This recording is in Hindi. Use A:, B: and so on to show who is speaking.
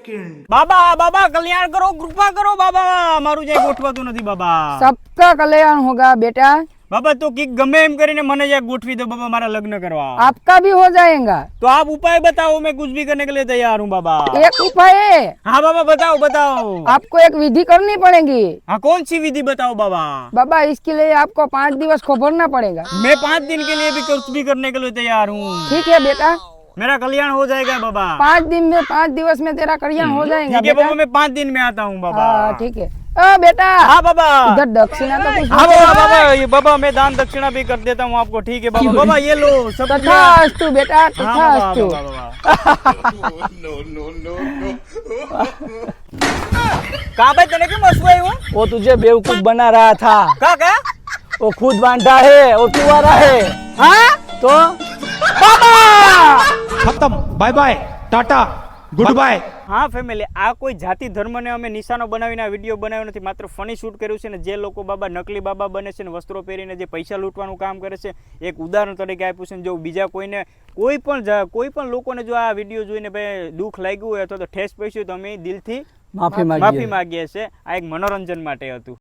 A: બાબા બાબા કલ્યાણ કરો, કૃપા કરો બાબા, મારું જે ગોઠવાતું નથી બાબા।
B: सबका कल्याण होगा बेटा।
A: બાબા તો કીક ગમે એમ કરીને મને જે ગોઠવી દો બાબા, મારા લગ્ન કરવા।
B: आपका भी हो जाएगा।
A: तो आप उपाय बताओ, मैं कुछ भी करने के लिए तैयार हूँ बाबा।
B: एक उपाय है,
A: हाँ बाबा बताओ बताओ।
B: आपको एक विधि करनी पड़ेगी।
A: हाँ कौन सी विधि बताओ बाबा।
B: बाबा इसके लिए आपको 5 दिवस को भरना पड़ेगा।
A: मैं 5 दिन के लिए भी कुछ भी करने के लिए तैयार हूँ।
B: ठीक है बेटा,
A: मेरा कल्याण हो जाएगा बाबा।
B: 5 दिन में 5 दिवस में तेरा कल्याण हो जाएगा
A: ठीक है
B: बेटा।
A: बाबा, मैं 5 दिन में आता हूँ बाबा।
B: हाँ ठीक है। बेटा
A: हाँ बाबा।
B: इधर दक्षिणा तो कुछ
A: हाँ बाबा बाबा, ये बाबा मैं दान दक्षिणा भी कर देता हूँ आपको। ठीक है बाबा। बाबा ये लो सब।
B: तथास्तु बेटा,
A: हाँ
B: तथास्तु।
A: कहाँ भाई तने क्यों मसुआई हूँ?
C: वो तुझे बेवकूफ बना रहा था।
A: क्या?
C: वो खुद बांधा है, वो कुंवारा है।
A: हाँ
C: तो
D: खत्म, बाय बाय, टाटा, गुड बाय।
A: હા ફેમિલી, આ કોઈ જાતિ ધર્મને અમે નિશાનો બનાવીને આ વિડીયો બનાવ્યો નથી, માત્ર ફની શૂટ કર્યું છે ને જે લોકો બાબા નકલી બાબા બને છે ને વસ્ત્રો પહેરીને જે પૈસા લૂંટવાનું કામ કરે છે, એક ઉદાહરણ તરીકે આપ્યું છે। જો બીજા કોઈને કોઈ પણ લોકોને જો આ વિડીયો જોઈને ભાઈ દુઃખ લાગ્યું હોય અથવા તો ઠેસ પહોંચ્યું તો અમે દિલથી
C: માફી
A: માગીએ છીએ। આ એક મનોરંજન માટે હતું।